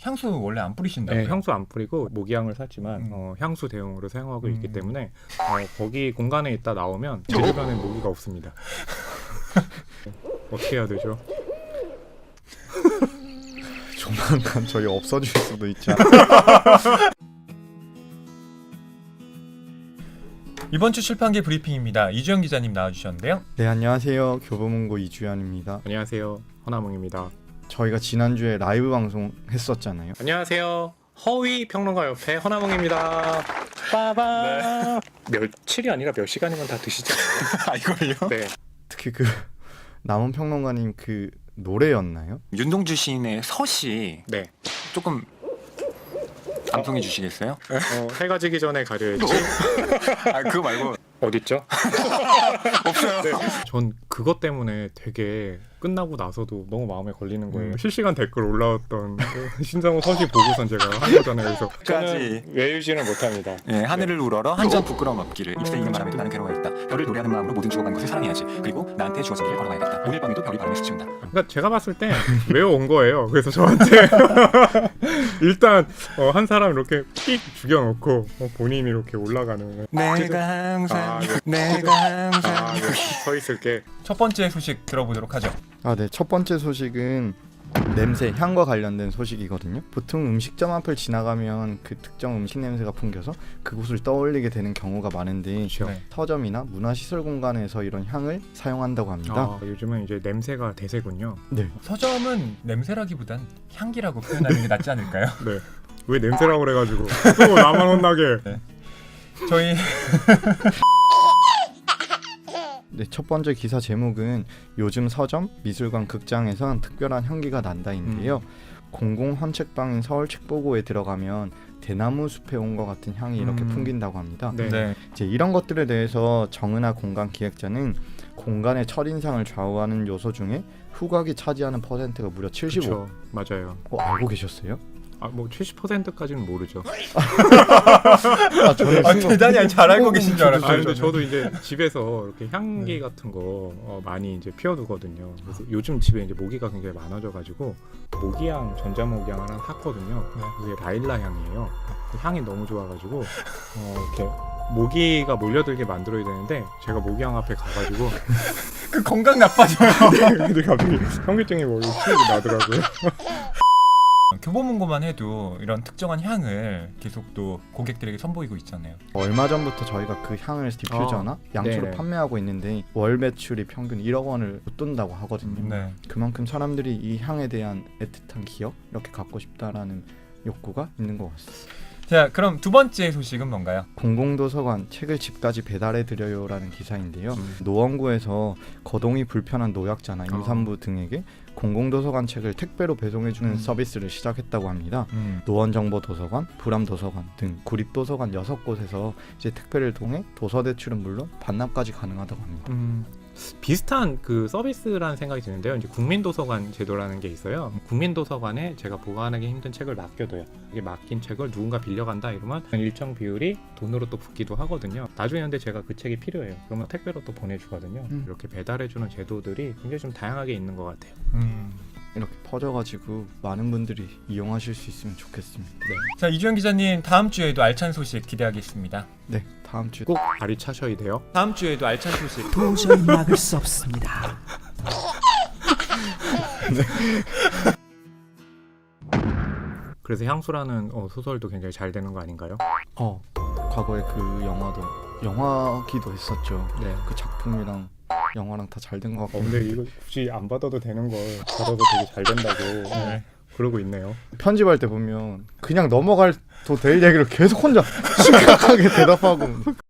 향수 원래 안 뿌리신다고요? 네, 향수 안 뿌리고 모기향을 샀지만 향수 대용으로 사용하고 있기 때문에 거기 공간에 있다 나오면 제 주변에 모기가 없습니다. 어떻게 해야 되죠? 조만간 저희 없어질 수도 있지 않아요? 이번 주 출판계 브리핑입니다. 이주영 기자님 나와주셨는데요. 네, 안녕하세요. 교보문고 이주연입니다. 안녕하세요, 허나몽입니다. 저희가 지난주에 라이브 방송 했었잖아요. 안녕하세요, 허위 평론가 협회 허나몽입니다. 빠바. 며칠이 아니라 몇 시간이면 다 드시지 않나요? 아 이걸요? 네. 특히 그 남은 평론가님 그 노래였나요? 윤동주 시인의 서시 네. 조금 암송해 주시겠어요? 해가 지기 전에 가려야지. 아 그거 말고 어딨죠? 없어요. 네. 전 그것 때문에 되게 끝나고 나서도 너무 마음에 걸리는 거예요. 실시간 댓글 올라왔던 그 신상호 서시 보고선 제가 한 거잖아요. 그래서 저는 외우지는 못합니다. 예, 하늘을 우러러 한 점 부끄러움 없기를 입새 익은 바람에도 나는 괴로워야겠다. 별을 노래하는 마음으로 모든 죽어간 것을 사랑해야지. 그리고 나한테 주어진 길을 걸어가야겠다. 오늘 밤에도 별이 바람에 스치운다. 그러니까 제가 봤을 때 외워온 거예요. 그래서 저한테 일단 한 사람 이렇게 삑 죽여놓고 본인이 이렇게 올라가는 내가 항상 네. 내가 항상 네. 서 있을게. 첫 번째 소식 들어보도록 하죠. 아, 네. 첫 번째 소식은 냄새, 향과 관련된 소식이거든요. 보통 음식점 앞을 지나가면 그 특정 음식 냄새가 풍겨서 그곳을 떠올리게 되는 경우가 많은데 네. 서점이나 문화시설 공간에서 이런 향을 사용한다고 합니다. 요즘은 이제 냄새가 대세군요. 네. 서점은 냄새라기보단 향기라고 표현하는 게 낫지 않을까요? 네. 왜 냄새라고 그래가지고 또 나만 혼나게. 네. 저희 네, 첫 번째 기사 제목은 요즘 서점, 미술관, 극장에선 특별한 향기가 난다인데요. 공공 헌책방인 서울 책보고에 들어가면 대나무 숲에 온 것 같은 향이 이렇게 풍긴다고 합니다. 네. 네. 이제 이런 것들에 대해서 정은하 공간 기획자는 공간의 첫인상을 좌우하는 요소 중에 후각이 차지하는 퍼센트가 무려 75. 그쵸, 맞아요. 알고 계셨어요? 뭐 70%까지는 모르죠. 저는 대단히 잘 알고 계신 줄 알았어요. 근데 저도 이제 집에서 이렇게 향기 같은 거 많이 이제 피워두거든요. 그래서 요즘 집에 이제 모기가 굉장히 많아져가지고 모기향, 전자모기향 하나 샀거든요. 그게 라일라 향이에요. 향이 너무 좋아가지고 이렇게 모기가 몰려들게 만들어야 되는데 제가 모기향 앞에 가가지고 그 건강 나빠져요. 근데 갑자기 현기증이 뭐 시력이 나더라고요. 교보문고만 해도 이런 특정한 향을 계속 또 고객들에게 선보이고 있잖아요. 얼마 전부터 저희가 그 향을 디퓨저나 양초로 네네. 판매하고 있는데 월 매출이 평균 1억 원을 웃돈다고 하거든요. 네. 그만큼 사람들이 이 향에 대한 애틋한 기억 이렇게 갖고 싶다라는 욕구가 있는 것 같습니다. 자, 그럼 두 번째 소식은 뭔가요? 공공도서관 책을 집까지 배달해드려요라는 기사인데요. 노원구에서 거동이 불편한 노약자나 임산부 등에게 공공도서관 책을 택배로 배송해주는 서비스를 시작했다고 합니다. 노원정보도서관, 불암도서관 등 구립도서관 6곳에서 이제 택배를 통해 도서 대출은 물론 반납까지 가능하다고 합니다. 비슷한 그 서비스라는 생각이 드는데요. 이제 국민도서관 제도라는 게 있어요. 국민도서관에 제가 보관하기 힘든 책을 맡겨둬요. 이게 맡긴 책을 누군가 빌려간다 이러면 일정 비율이 돈으로 또 붙기도 하거든요. 나중에 근데 제가 그 책이 필요해요. 그러면 택배로 또 보내주거든요. 이렇게 배달해주는 제도들이 굉장히 좀 다양하게 있는 것 같아요. 이렇게 퍼져가지고 많은 분들이 이용하실 수 있으면 좋겠습니다. 자, 이주영 기자님 다음 주에도 알찬 소식 기대하겠습니다. 네, 다음 주 꼭 발이 차셔야 돼요. 다음 주에도 알찬 소식. 도저히 막을 수 없습니다. 그래서 향수라는 소설도 굉장히 잘 되는 거 아닌가요? 과거에 그 영화기도 했었죠. 네. 그 작품이랑 영화랑 다 잘 된 것 같고. 근데 이거 굳이 안 받아도 되는 걸 받아도 되게 잘 된다고 그러고 있네요. 편집할 때 보면 그냥 넘어갈 될 얘기를 계속 혼자 심각하게 대답하고